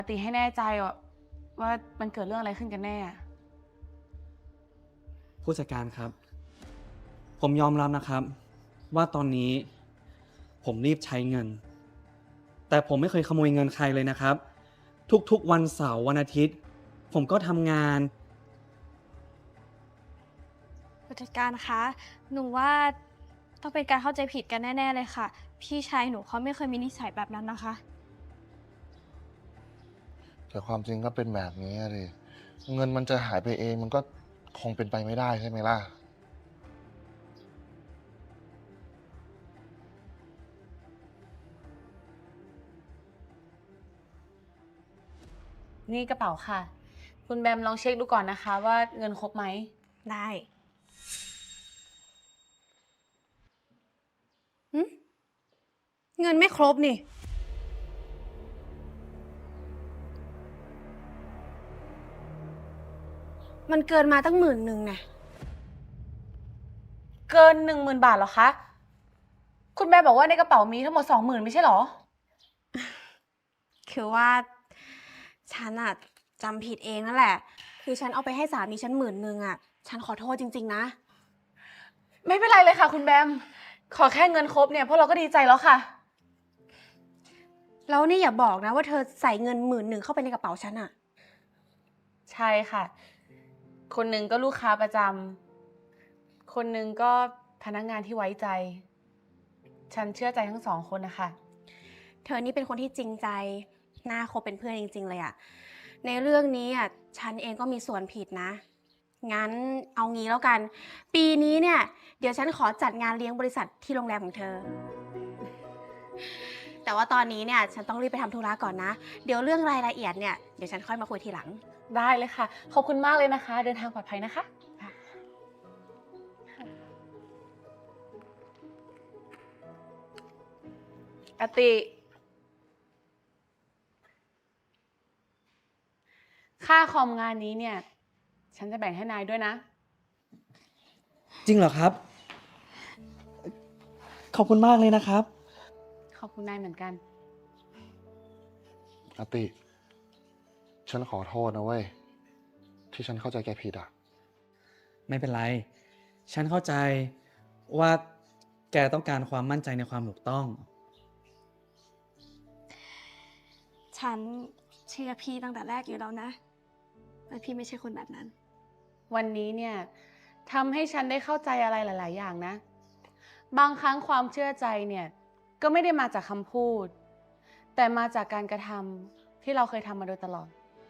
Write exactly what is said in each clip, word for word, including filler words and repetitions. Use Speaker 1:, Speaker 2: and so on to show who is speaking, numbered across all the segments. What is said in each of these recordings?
Speaker 1: ติให้แน่ใจว่ามันเกิดเรื่องอะไรขึ้นกันแน่
Speaker 2: ผู้จัดการครับ ผมยอมรับนะครับ ว่าตอนนี้ผมรีบใช้เงิน แต่ผมไม่เคยขโมยเงินใครเลยนะครับ ทุกๆวันเสาร์วันอาทิตย์ ผมก็ทำงาน
Speaker 3: ผู้จัดการคะ หนูว่าต้องเป็นการเข้าใจผิดกันแน่ๆเลยค่ะ พี่ชายหนูเขาไม่เคยมีนิสัยแบบนั้นนะคะ
Speaker 4: แต่ความจริงก็เป็นแบบนี้เลยเงินมันจะหายไปเองมันก็คงเป็นไปไม่ได้ใช่ไหมล่ะ
Speaker 1: นี่กระเป๋าค่ะ คุณแบมลองเช็คดูก่อนนะคะว่าเงินครบไหม
Speaker 3: ได้หึเงินไม่ครบนี่ มันเกินมาตั้งหมื่นหนึ่งไง
Speaker 1: เกินหนึ่งหมื่นบาทเหรอคะ คุณแบมบอกว่าในกระเป๋ามีทั้งหมดสองหมื่นไม่ใช่เหรอ
Speaker 3: คือว่าฉันอะจำผิดเองนั่นแหละ คือฉันเอาไปให้สามีฉันหมื่นหนึ่งอะฉันขอโทษจริงๆนะ
Speaker 1: ไม่เป็นไรเลยค่ะ คุณแบม ขอแค่เงินครบเนี่ยพวกเราก็ดีใจแล้วค่ะ
Speaker 3: แล้วนี่อย่าบอกนะว่าเธอใส่เงินหมื่นหนึ่งเข้าไปในกระเป๋าฉันอะ
Speaker 1: ใช่ค่ะ คนหนึ่งก็ลูกค้าประจำ คนหนึ่งก็พนักงานที่ไว้ใจ ฉันเชื่อใจทั้งสองคนนะคะ
Speaker 3: เธอนี่เป็นคนที่จริงใจ น่าคบเป็นเพื่อนจริงๆเลยอะในเรื่องนี้อะฉันเองก็มีส่วนผิดนะ งั้นเอางี้แล้วกัน ปีนี้เนี่ย เดี๋ยวฉันขอจัดงานเลี้ยงบริษัทที่โรงแรมของเธอ แต่ว่าตอนนี้เนี่ยฉันต้องรีบไปทำธุระก่อนนะ เดี๋ยวเรื่องรายละเอียดเนี่ยเดี๋ยวฉันค่อยมาคุยทีหลัง
Speaker 1: ได้เลยค่ะ ขอบคุณมากเลยนะคะ เดินทางปลอดภัยนะคะอติ ค่าคอมงานนี้เนี่ย ฉันจะแบ่งให้นายด้วยนะ
Speaker 2: จริงเหรอครับ ขอบคุณมากเลยนะครับ
Speaker 1: ขอบคุณนายเหมือนกัน
Speaker 4: อติ ฉันขอโทษนะเว้ย ที่ฉันเข้าใจแกผิดอ่ะ
Speaker 2: ไม่เป็นไร ฉันเข้าใจว่าแกต้องการความมั่นใจในความถูกต้อง
Speaker 3: ฉันเชื่อพี่ตั้งแต่แรกอยู่แล้วนะแต่พี่ไม่ใช่คนแบบนั้น
Speaker 1: วันนี้เนี่ยทำให้ฉันได้เข้าใจอะไรหลาย ๆ อย่างนะ บางครั้งความเชื่อใจเนี่ยก็ไม่ได้มาจากคำพูด แต่มาจากการกระทำที่เราเคยทำมาโดยตลอด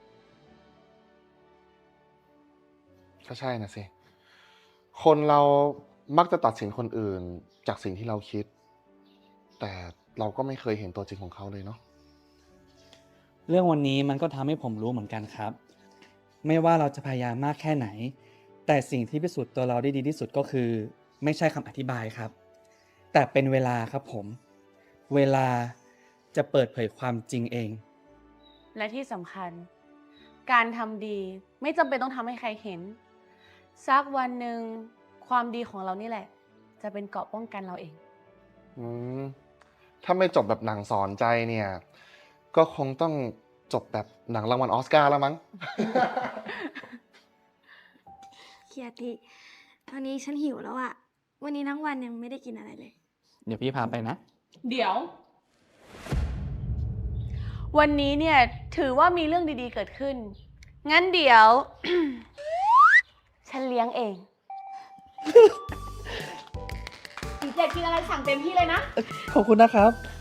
Speaker 4: ก็ใช่นะสิ คนเรามักจะตัดสินคนอื่นจากสิ่งที่เราคิด แต่เราก็ไม่เคยเห็นตัวจริงของเขาเลยเนาะ
Speaker 2: เรื่องวันนี้มันก็ทำให้ผมรู้เหมือนกันครับ ไม่ว่าเราจะพยายามมากแค่ไหน แต่สิ่งที่พิสูจน์ตัวเราได้ดีที่สุดก็คือ ไม่ใช่คำอธิบายครับ แต่เป็นเวลาครับผม เวลาจะเปิดเผยความจริงเอง
Speaker 1: และที่สำคัญ การทำดีไม่จำเป็นต้องทำให้ใครเห็น สักวันหนึ่งความดีของเรานี่แหละ จะเป็นเกราะป้องกันเราเอง
Speaker 4: อืม ถ้าไม่จบแบบหนังสอนใจเนี่ย ก็คงต้องจบแบบหนังรางวัลออสการ์แล้วมั้ง
Speaker 3: เคียติตอนนี้ฉันหิวแล้วอะวันนี้ทั้งวันยังไม่ได้กินอะไรเลย
Speaker 2: เดี๋ยวพี่พาไปนะ
Speaker 1: เดี๋ยว วันนี้เนี่ยถือว่ามีเรื่องดีๆเกิดขึ้น งั้นเดี๋ยว ฉันเลี้ยงเองดีเจกินอะไรสั่งเต็มที่เลยนะ
Speaker 2: ขอบคุณนะครับ